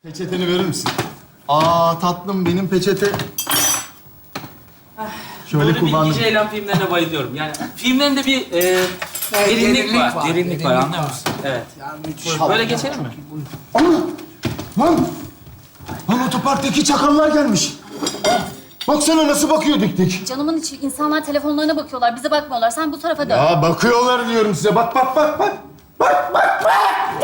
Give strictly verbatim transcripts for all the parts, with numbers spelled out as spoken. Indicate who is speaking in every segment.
Speaker 1: Peçeteni verir misin? Aa tatlım benim peçete. Şöyle
Speaker 2: Böyle
Speaker 1: kullandım.
Speaker 2: bilgi Ceylan filmlerine bayılıyorum. Yani filmlerinde bir e,
Speaker 3: Evet,
Speaker 2: derinlik,
Speaker 3: derinlik
Speaker 2: var.
Speaker 3: var,
Speaker 2: Derinlik,
Speaker 3: derinlik
Speaker 2: var, anlıyor
Speaker 3: var.
Speaker 2: musun? Evet.
Speaker 3: Ya müthiş.
Speaker 2: Böyle geçelim mi?
Speaker 1: Ana! Lan! Lan otoparktaki çakallar gelmiş. Baksana nasıl bakıyor dik dik.
Speaker 4: Canımın içi, insanlar telefonlarına bakıyorlar, bize bakmıyorlar. Sen bu tarafa dön.
Speaker 1: Ya bakıyorlar diyorum size. Bak bak bak bak. Bak bak bak.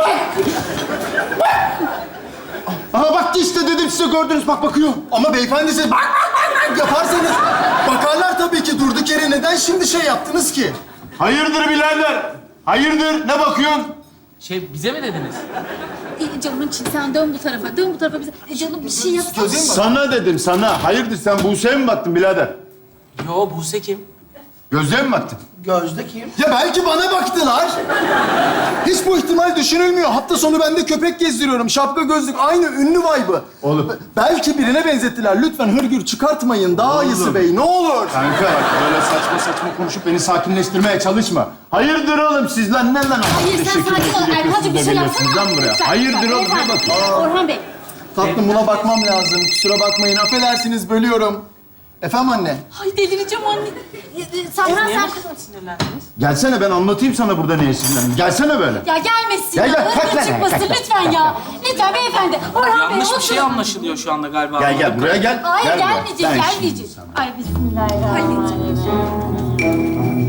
Speaker 1: Aha baktı işte dedim size gördünüz bak bakıyor. Ama beyefendi siz bak bak bak bak yaparsanız bakarlar tabii ki durduk yere neden şimdi şey yaptınız ki? Hayırdır birader? Hayırdır? Ne bakıyorsun?
Speaker 2: Şey, bize mi dediniz?
Speaker 4: E, canımın içi, sen dön bu tarafa, dön bu tarafa bize. E, canım bir şey yapsana.
Speaker 1: Sana dedim sana. Hayırdır sen Buse'ye mi baktın birader?
Speaker 2: Yo, Buse kim?
Speaker 1: Gözlüğe mi baktın?
Speaker 3: Gözde kim?
Speaker 5: Ya belki bana baktılar. Hiç bu ihtimal düşünülmüyor. Hafta sonu ben de köpek gezdiriyorum. Şapka gözlük aynı ünlü vibe'ı.
Speaker 1: Oğlum.
Speaker 5: Be- Belki birine benzettiler. Lütfen hırgür çıkartmayın. Daha
Speaker 1: Oğlum.
Speaker 5: iyisi bey ne olur.
Speaker 1: Kanka bak böyle saçma saçma konuşup beni sakinleştirmeye çalışma. Hayırdır oğlum siz lan ne lan?
Speaker 4: Hayır, sen sakin ol. Erkan'cığım bir şey yapsana.
Speaker 1: Lan buraya.
Speaker 4: Lütfen,
Speaker 1: Hayırdır
Speaker 4: lütfen,
Speaker 1: oğlum ne
Speaker 4: beyefendi.
Speaker 1: bakıyorsun?
Speaker 4: Orhan Bey.
Speaker 5: Tatlım buna bakmam lazım. Kusura bakmayın. Affedersiniz bölüyorum. Efendim anne.
Speaker 4: Ay delireceğim anne. E, e, Serhan
Speaker 2: Niye
Speaker 4: sen...
Speaker 2: bu kadar sinirlendiniz?
Speaker 1: Gelsene ben anlatayım sana burada neye sinirlendim. Gelsene böyle.
Speaker 4: Ya gelmesin
Speaker 1: Gel,
Speaker 4: ya.
Speaker 1: gel, kalk
Speaker 4: Öyle
Speaker 1: lan,
Speaker 4: çıkmasın
Speaker 1: kalk lan.
Speaker 4: lütfen ya. Lütfen beyefendi. Orhan Bey
Speaker 2: Yanlış bir
Speaker 4: oturun.
Speaker 2: şey anlaşılıyor şu anda galiba.
Speaker 1: Gel gel buraya gel.
Speaker 4: Hayır
Speaker 1: Gel buraya.
Speaker 4: gelmeyecek,
Speaker 1: Ben
Speaker 4: gelmeyecek.
Speaker 1: şimdi
Speaker 4: Ay bismillahirrahmanirrahim.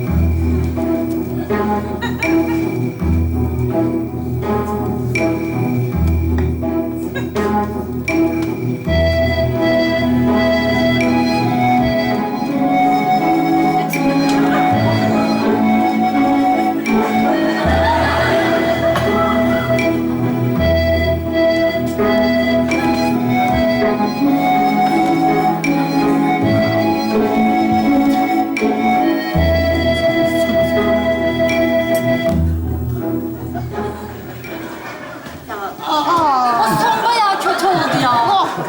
Speaker 4: O son bayağı kötü oldu ya.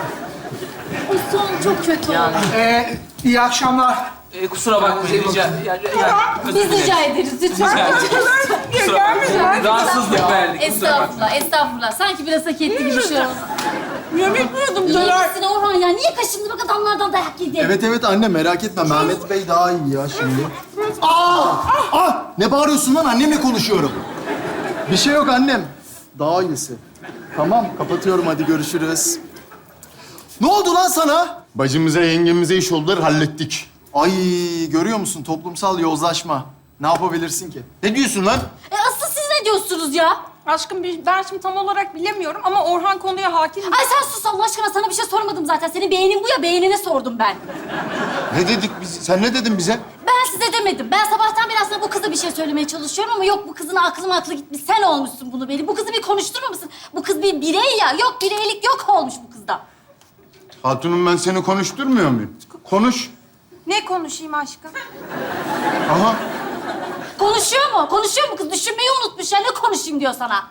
Speaker 4: O son çok kötü oldu.
Speaker 3: Ee, iyi akşamlar.
Speaker 2: E, kusura bakmayın. Rica, ya, ya, ya, özür
Speaker 4: Biz
Speaker 2: dilerim.
Speaker 4: rica ederiz lütfen.
Speaker 2: Rica ederiz. Kusura bakmayın. Rahatsızlık verdik. Kusura bakmayın.
Speaker 4: Estağfurullah, estağfurullah. Sanki biraz hak etti gibi şey oldu.
Speaker 3: Yemek miyordum
Speaker 4: İyi misin Orhan ya? Niye kaşındın bak adamlardan dayak yedi?
Speaker 5: Evet evet anne merak etme. Mehmet Bey daha iyi ya şimdi. Aa! Ah! Ne bağırıyorsun lan? Annemle konuşuyorum. Bir şey yok annem. Daha iyisi. Tamam kapatıyorum hadi görüşürüz. Ne oldu lan sana?
Speaker 1: Bacımıza yengemize iş oldular hallettik.
Speaker 5: Ay görüyor musun toplumsal yozlaşma. Ne yapabilirsin ki?
Speaker 1: Ne diyorsun lan?
Speaker 4: E asıl siz ne diyorsunuz ya?
Speaker 6: Aşkım bir- ben şimdi tam olarak bilemiyorum ama Orhan konuya hakim.
Speaker 4: Ay sen sus Allah aşkına, sana bir şey sormadım zaten. Senin beğenin bu ya, beğenine sordum ben.
Speaker 1: Ne dedik biz? Sen ne dedin bize?
Speaker 4: Ben size demedim. Ben sabahtan beri aslında bu kıza bir şey söylemeye çalışıyorum ama yok, bu kızın aklım aklı gitmiş. Sen olmuşsun bunu beni. Bu kızı bir konuşturmamışsın. Bu kız bir birey ya. Yok, bireylik yok olmuş bu kızda.
Speaker 1: Hatunum ben seni konuşturmuyor muyum? Konuş.
Speaker 6: Ne konuşayım aşkım?
Speaker 1: Aha.
Speaker 4: Konuşuyor mu? Konuşuyor mu kız? Düşünmeyi unutmuş ya. Ne konuşayım diyor sana.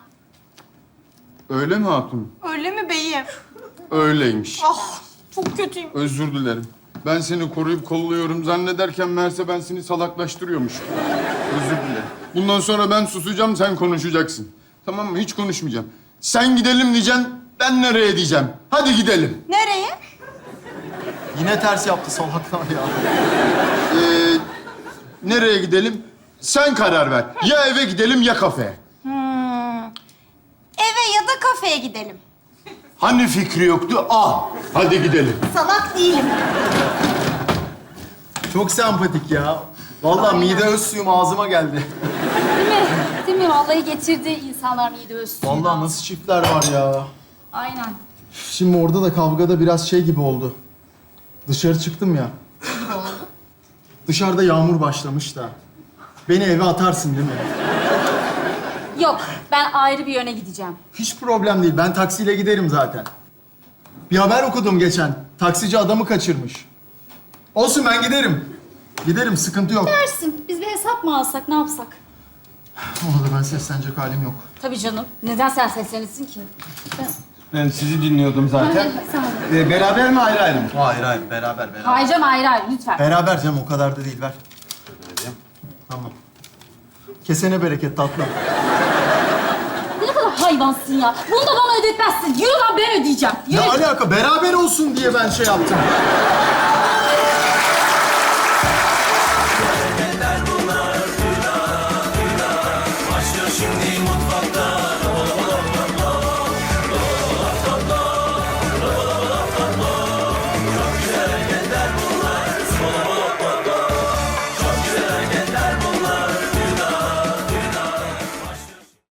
Speaker 1: Öyle mi hatun?
Speaker 6: Öyle mi beyim?
Speaker 1: Öyleymiş.
Speaker 6: Ah çok kötüyüm.
Speaker 1: Özür dilerim. Ben seni koruyup kolluyorum zannederken meğerse ben seni salaklaştırıyormuşum. Özür dilerim. Bundan sonra ben susacağım, sen konuşacaksın. Tamam mı? Hiç konuşmayacağım. Sen gidelim diyeceksin, ben nereye diyeceğim. Hadi gidelim.
Speaker 6: Nereye?
Speaker 5: Yine ters yaptı salaklar ya.
Speaker 1: Ee, nereye gidelim? Sen karar ver. Ya eve gidelim ya kafeye.
Speaker 6: Eve ya da kafeye gidelim.
Speaker 1: Hani fikri yoktu? Al. Hadi gidelim.
Speaker 6: Salak değilim.
Speaker 5: Çok sempatik ya. Vallahi mide öz suyum ağzıma geldi.
Speaker 4: Değil mi? Değil mi? Vallahi getirdi insanlar mide ölsün.
Speaker 5: Vallahi nasıl çiftler var ya.
Speaker 4: Aynen.
Speaker 5: Şimdi orada da kavgada biraz şey gibi oldu. Dışarı çıktım ya. Dışarıda yağmur başlamış da. Beni eve atarsın değil mi?
Speaker 4: Yok, ben ayrı bir yöne gideceğim.
Speaker 5: Hiç problem değil. Ben taksiyle giderim zaten. Bir haber okudum geçen. Taksici adamı kaçırmış. Olsun ben giderim. Giderim sıkıntı yok.
Speaker 4: Dersin. Biz bir hesap mı alsak, ne yapsak?
Speaker 5: Ona da ben seslenecek halim yok.
Speaker 4: Tabii canım. Neden sen seslenirsin ki? Ben...
Speaker 1: Ben sizi dinliyordum zaten.
Speaker 4: Sen...
Speaker 1: Ee, beraber mi ayrı ayrı mı?
Speaker 5: Hayır hayır beraber beraber.
Speaker 4: Hayır canım, ayrı ayrı lütfen.
Speaker 5: Beraber canım o kadar da değil ver. Tamam. Kesene bereket tatlım.
Speaker 4: Ne kadar hayvansın ya. Bunu da bana ödetmezsin. Yürü lan ben ödeyeceğim. Yürü.
Speaker 5: Ne alaka? Beraber olsun diye ben şey yaptım.